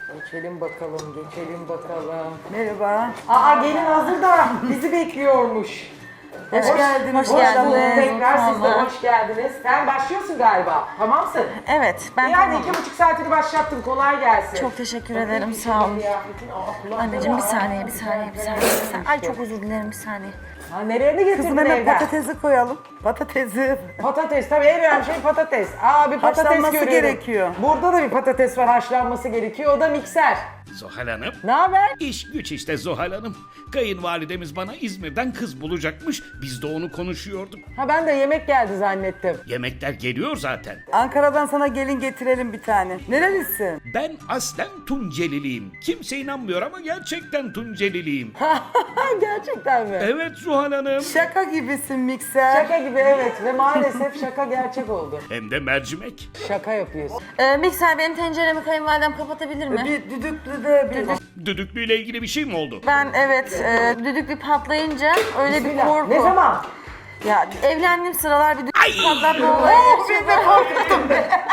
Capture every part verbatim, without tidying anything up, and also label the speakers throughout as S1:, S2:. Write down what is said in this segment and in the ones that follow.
S1: Geçelim bakalım, geçelim bakalım.
S2: Merhaba.
S1: Aa gelin hazır da bizi bekliyormuş.
S2: Hoş geldiniz.
S1: Hoş,
S2: Hoş
S1: bulduk.
S2: geldiniz.
S1: Tekrar siz de
S3: Vallahi.
S1: hoş geldiniz. Sen başlıyorsun galiba. Tamamsın.
S3: Evet, ben
S1: Yani
S3: tamam.
S1: iki buçuk saatini başlattın. Kolay gelsin.
S3: Çok teşekkür
S1: Bakayım
S3: ederim,
S1: bir
S3: sağ olun.
S1: kıyafetin. Aa, kulakları
S3: Anneciğim bir
S1: var.
S3: saniye, bir saniye, bir saniye. Bir saniye. Ay çok özür dilerim, bir saniye.
S1: Ha, nereye mi getirdin
S2: Kızım hemen
S1: evden?
S2: patatesi koyalım. Patatesi.
S1: Patates tabii en önemli şey patates. Aa bir patates
S2: Haşlanması
S1: görüyorum.
S2: gerekiyor.
S1: Burada da bir patates var haşlanması gerekiyor. O da mikser.
S4: Zuhal Hanım.
S1: Ne haber?
S4: İş güç işte Zuhal Hanım. Kayınvalidemiz bana İzmir'den kız bulacakmış. Biz de onu konuşuyorduk.
S1: Ha ben de yemek geldi zannettim.
S4: Yemekler geliyor zaten.
S2: Ankara'dan sana gelin getirelim bir tane. Nerelisin?
S4: Ben aslen Tunceliliyim. Kimse inanmıyor ama gerçekten Tunceliliyim.
S1: Gerçekten mi?
S4: Evet Zuhal Hanım.
S2: Şaka gibisin mikser.
S1: Şaka gibi evet ve maalesef şaka gerçek oldu.
S4: Hem de mercimek.
S1: Şaka yapıyorsun.
S3: Ee, mikser benim tenceremi kayınvalidem kapatabilir mi?
S2: Bir düdüklü de bir...
S4: Düdüklüyle ilgili bir şey mi oldu?
S3: Ben evet, e, düdüklü patlayınca öyle bir
S1: Bismillah.
S3: korku.
S1: Ne zaman?
S3: Ya evlendiğim sıralar bir düdüklü
S4: Ay!
S3: patlatma olayı.
S2: Ben de korktum.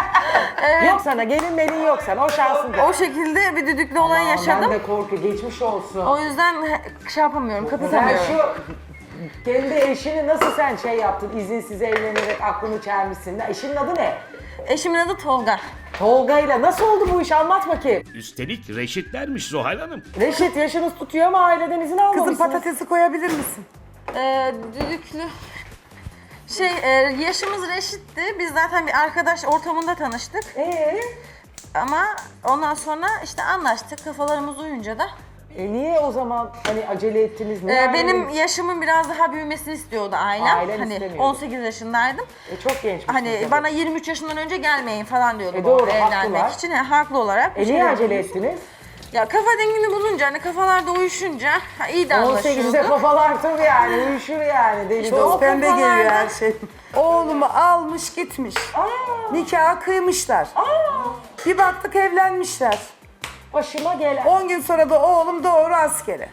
S1: Yok sana gelin melin yok sana o şansın.
S3: O şekilde bir düdüklü olay
S1: Aman,
S3: yaşadım.
S1: Ben de korku geçmiş olsun.
S3: O yüzden he- şey yapamıyorum,
S1: Sen
S3: kapatamıyorum.
S1: şu kendi eşini nasıl sen şey yaptın izinsiz evlenerek aklını çelmişsin. Eşinin adı ne?
S3: Eşimin adı Tolga.
S1: Tolga'yla nasıl oldu bu iş anlat bakayım.
S4: Üstelik reşitlermiş Zuhal Hanım.
S1: Reşit yaşınız tutuyor ama aileden izin almamışsınız.
S2: Kızım patatesi koyabilir misin?
S3: Ee, düdüklü... Şey, e, yaşımız reşitti. Biz zaten bir arkadaş ortamında tanıştık.
S1: Ee,
S3: Ama ondan sonra işte anlaştık. Kafalarımız uyunca da.
S1: e niye o zaman hani acele ettiniz? Ne
S3: Ee,
S1: yani?
S3: benim yaşımın biraz daha büyümesini istiyordu ailem.
S1: Ailen
S3: hani
S1: istemiyordu.
S3: on sekiz yaşındaydım.
S1: E, çok genç.
S3: Hani bana yirmi üç yaşından önce gelmeyin falan diyordu
S1: E,
S3: bu
S1: doğru,
S3: arada evlenmek
S1: haklılar.
S3: için. Yani haklı olarak. bir
S1: E
S3: şey
S1: niye
S3: diyordum.
S1: acele ettiniz?
S3: Ya kafa dengini bulunca hani kafalarda uyuşunca ha, iyi de
S1: on sekizde
S3: anlaşıyorduk.
S1: kafalar tabii yani uyuşur yani deli
S2: Çok
S1: dolu.
S2: pembe geliyor
S3: kafalarda-
S2: her şey. Oğlumu almış gitmiş. Nikahı kıymışlar. Bir baktık evlenmişler.
S1: Başıma gelen.
S2: on gün sonra da oğlum doğru askere.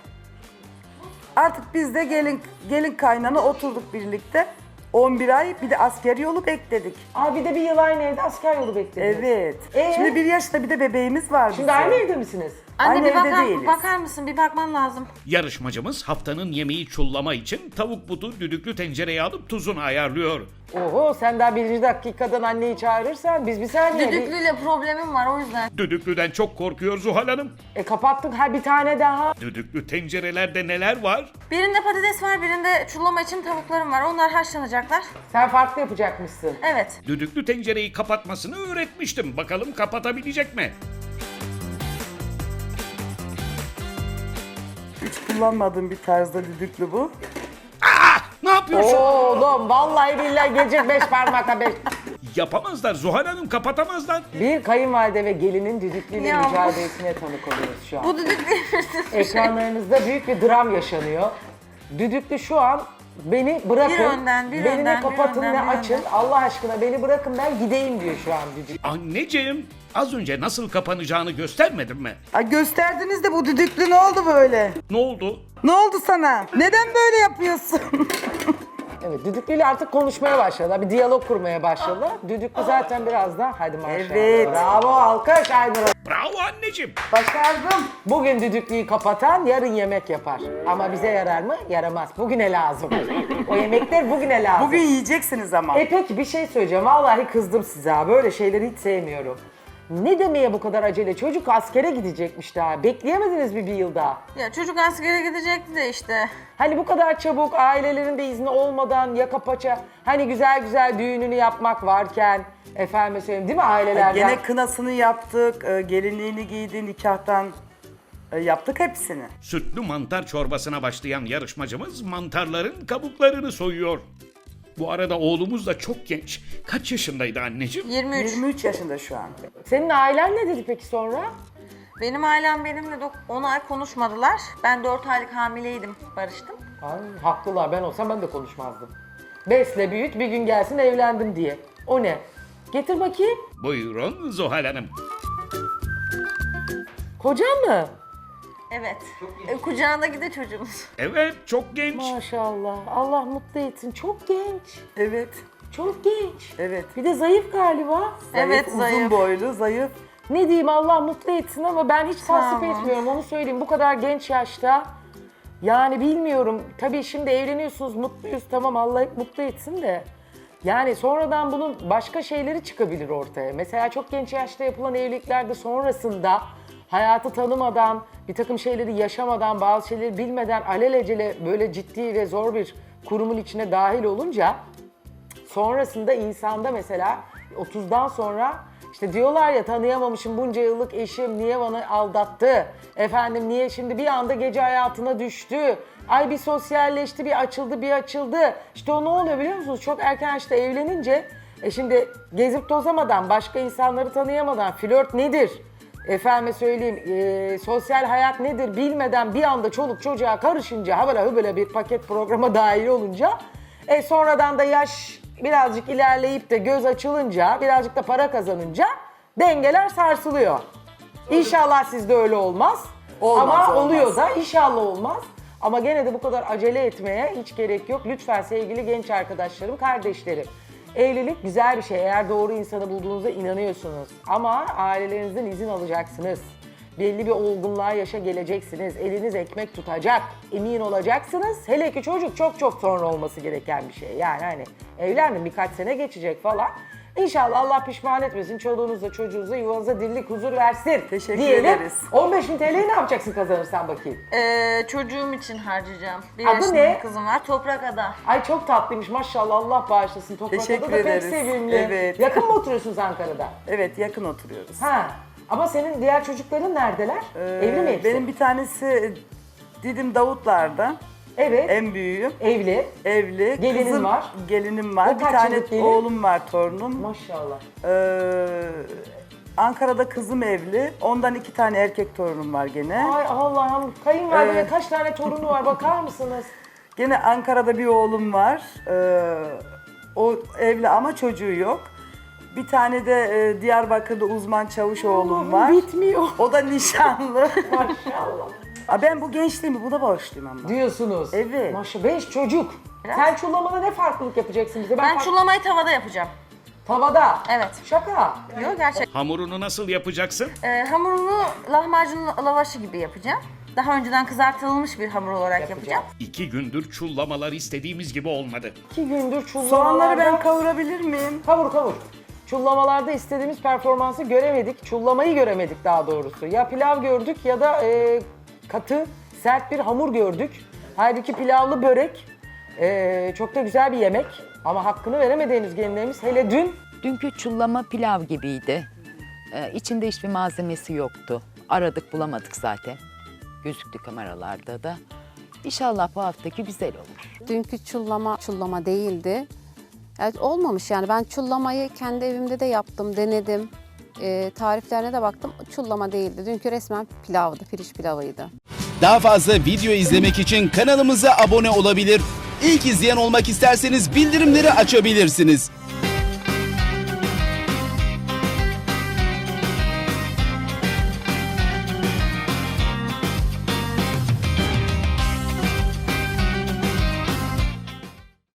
S2: Artık biz de gelin gelin kaynana oturduk birlikte. on bir ay bir de asker yolu bekledik.
S1: Aa bir de bir yıl aynı evde asker yolu beklediniz.
S2: Evet.
S1: Ee?
S2: Şimdi bir yaşta bir de bebeğimiz var
S1: Şimdi
S2: bizim.
S1: aynı evde misiniz?
S3: Anne
S2: Aynı
S3: bir
S2: evde
S3: bakar,
S2: değiliz.
S3: bakar mısın? Bir bakman lazım.
S4: Yarışmacımız haftanın yemeği çullama için tavuk butu düdüklü tencereye alıp tuzunu ayarlıyor.
S1: Oho sen daha birinci dakikadan anneyi çağırırsan biz bir saniye. bir-
S3: Düdüklüyle problemim var o yüzden.
S4: Düdüklüden çok korkuyor Zuhal Hanım.
S1: E kapattık ha bir tane daha.
S4: Düdüklü tencerelerde neler var?
S3: Birinde patates var, birinde çullama için tavuklarım var. Onlar haşlanacaklar.
S1: Sen farklı yapacakmışsın.
S3: Evet.
S4: Düdüklü tencereyi kapatmasını öğretmiştim. Bakalım kapatabilecek mi?
S2: Hiç kullanmadığım bir tarzda düdüklü bu.
S4: Aa, ne yapıyorsun?
S1: Oğlum vallahi billahi gelecek beş parmakla beş.
S4: Yapamazlar Zuhal Hanım, kapatamazlar.
S1: Bir kayınvalide ve gelinin düdüklüyle
S3: Ya bu-
S1: mücadelesine tanık oluyoruz şu an.
S3: Bu düdüklü
S1: Ekranlarınızda büyük bir dram yaşanıyor. Düdüklü şu an beni bırakın,
S3: Bir önden, bir
S1: beni
S3: önden,
S1: ne kapatın
S3: bir önden,
S1: ne
S3: bir
S1: açın.
S3: önden.
S1: Allah aşkına beni bırakın ben gideyim diyor şu an düdüklü.
S4: Anneciğim, az önce nasıl kapanacağını göstermedim mi?
S2: Ay gösterdiniz de bu düdüklü ne oldu böyle?
S4: Ne oldu?
S2: Ne oldu sana? Neden böyle yapıyorsun?
S1: Evet düdüklüyle artık konuşmaya başladılar. Bir diyalog kurmaya başladılar. Düdüklü zaten biraz da hadi maşallah.
S2: Evet.
S1: Bravo alkış Aynur.
S4: Bravo anneciğim.
S2: Başardım.
S1: Bugün düdüklüyü kapatan yarın yemek yapar. Ama bize yarar mı? Yaramaz. Bugüne lazım. O yemekler bugüne lazım.
S2: Bugün yiyeceksiniz ama.
S1: E peki bir şey söyleyeceğim. Vallahi kızdım size ha. Böyle şeyleri hiç sevmiyorum. Ne demeye bu kadar acele? Çocuk askere gidecekmiş daha. Bekleyemediniz mi bir yıl daha?
S3: Ya çocuk askere gidecekti de işte.
S1: Hani bu kadar çabuk ailelerin de izni olmadan yaka paça hani güzel güzel düğününü yapmak varken efendim söyleyeyim değil mi ailelerden?
S2: Gene kınasını yaptık, e, gelinliğini giydi, nikahtan e, yaptık hepsini.
S4: Sütlü mantar çorbasına başlayan yarışmacımız mantarların kabuklarını soyuyor. Bu arada oğlumuz da çok genç. Kaç yaşındaydı anneciğim?
S3: yirmi üç.
S2: yirmi üç yaşında şu an.
S1: Senin ailen ne dedi peki sonra?
S3: Benim ailem benimle on ay konuşmadılar. Ben dört aylık hamileydim, barıştım.
S1: Ay, haklılar ben olsam ben de konuşmazdım. Besle büyüt bir gün gelsin evlendim diye. O ne? Getir bakayım.
S4: Buyurun Zuhal Hanım.
S1: Kocan mı?
S3: Evet. E, kucağındaki de çocuğumuz.
S4: Evet, çok genç.
S1: Maşallah. Allah mutlu etsin. Çok genç.
S2: Evet,
S1: Çok genç.
S2: evet.
S1: Bir de zayıf galiba.
S3: Evet,
S2: uzun
S3: zayıf.
S2: boylu, zayıf.
S1: Ne diyeyim, Allah mutlu etsin ama ben hiç tasvip
S3: Tamam.
S1: etmiyorum, onu söyleyeyim. Bu kadar genç yaşta yani bilmiyorum. Tabii şimdi evleniyorsunuz, mutluyuz, tamam, Allah hep mutlu etsin de. Yani sonradan bunun başka şeyleri çıkabilir ortaya. Mesela çok genç yaşta yapılan evliliklerde sonrasında hayatı tanımadan, bir takım şeyleri yaşamadan, bazı şeyleri bilmeden alelacele böyle ciddi ve zor bir kurumun içine dahil olunca sonrasında insanda mesela otuzdan sonra işte diyorlar ya, tanıyamamışım bunca yıllık eşim niye bana aldattı? Efendim niye şimdi bir anda gece hayatına düştü? Ay bir sosyalleşti, bir açıldı, bir açıldı. İşte o ne oluyor biliyor musunuz? Çok erken yaşta evlenince e şimdi gezip tozamadan, başka insanları tanıyamadan flört nedir? Efendime söyleyeyim, e, sosyal hayat nedir bilmeden bir anda çoluk çocuğa karışınca, habala hübele bir paket programa dahil olunca, e, sonradan da yaş birazcık ilerleyip de göz açılınca, birazcık da para kazanınca dengeler sarsılıyor. İnşallah sizde öyle olmaz.
S2: Olmaz,
S1: Ama
S2: olmaz.
S1: oluyor da inşallah olmaz. Ama gene de bu kadar acele etmeye hiç gerek yok. Lütfen sevgili genç arkadaşlarım, kardeşlerim. Evlilik güzel bir şey. Eğer doğru insanı bulduğunuzda inanıyorsunuz. Ama ailelerinizden izin alacaksınız. Belli bir olgunluğa, yaşa geleceksiniz. Eliniz ekmek tutacak. Emin olacaksınız. Hele ki çocuk çok çok sonra olması gereken bir şey. Yani hani evlendim, birkaç sene geçecek falan. İnşallah Allah pişman etmesin. Çoluğunuzla, çocuğunuza, yuvanıza dirlik, huzur versin.
S2: Teşekkür
S1: diyelim.
S2: ederiz.
S1: on beş bin T L'yi ne yapacaksın kazanırsan bakayım?
S3: Ee, çocuğum için harcayacağım. Bir
S1: Adı
S3: yaşında
S1: ne?
S3: bir kızım var. Toprak Ada.
S1: Ay çok tatlıymış maşallah, Allah bağışlasın. Toprak'ta
S2: Teşekkür
S1: da pek
S2: ederiz.
S1: sevimli.
S2: Evet.
S1: Yakın mı oturuyorsunuz Ankara'da?
S2: Evet, yakın oturuyoruz.
S1: Ha. Ama senin diğer çocukların neredeler?
S2: Ee,
S1: Evli mi hepsi?
S2: Benim bir tanesi Didim Davutlar'da.
S1: Evet.
S2: En büyüğüm.
S1: Evli.
S2: Evli.
S1: Gelinin
S2: Kızım,
S1: var.
S2: Gelinim var.
S1: O
S2: Bir
S1: kaç
S2: tane
S1: yıllık gelin?
S2: oğlum var, torunum.
S1: Maşallah.
S2: Ee, Ankara'da kızım evli. Ondan iki tane erkek torunum var gene.
S1: Ay Allah'ım, kayınvalideye
S2: Evet.
S1: kaç tane torunu var bakar mısınız?
S2: Gene Ankara'da bir oğlum var. Ee, o evli ama çocuğu yok. Bir tane de e, Diyarbakır'da uzman çavuş oğlum
S1: Allah'ım,
S2: var.
S1: bitmiyor.
S2: O da nişanlı.
S1: Maşallah.
S2: Aa, ben bu gençliğimi buna bağışlıyım ama.
S1: Diyorsunuz.
S2: Evet.
S1: Maşallah. Beş çocuk. Sen çullamada ne farklılık yapacaksın bize?
S3: Ben
S1: fark-
S3: çullamayı tavada yapacağım.
S1: Tavada.
S3: Evet.
S1: Şaka.
S3: Yok gerçek.
S4: Hamurunu nasıl yapacaksın?
S3: Ee, hamurunu lahmacun lavaşı gibi yapacağım. Daha önceden kızartılmış bir hamur olarak
S1: Yapacağım.
S3: yapacağım.
S4: İki gündür çullamalar istediğimiz gibi olmadı.
S1: İki gündür çullamalarda...
S2: Soğanları ben kavurabilir miyim?
S1: Kavur kavur. Çullamalarda istediğimiz performansı göremedik. Çullamayı göremedik daha doğrusu. Ya pilav gördük ya da e, katı, sert bir hamur gördük. Halbuki pilavlı börek e, çok da güzel bir yemek. Ama hakkını veremediğimiz gelinlerimiz hele dün
S5: Dünkü çullama pilav gibiydi. Ee, içinde hiçbir malzemesi yoktu. Aradık bulamadık zaten. Gözüktü kameralarda da. İnşallah bu haftaki güzel olur.
S6: Dünkü çullama çullama değildi. Evet, olmamış yani. Ben çullamayı kendi evimde de yaptım, denedim. Ee, tariflerine de baktım. Çullama değildi. Dünkü resmen pilavdı, pirinç pilavıydı.
S7: Daha fazla video izlemek için kanalımıza abone olabilir. İlk izleyen olmak isterseniz bildirimleri açabilirsiniz.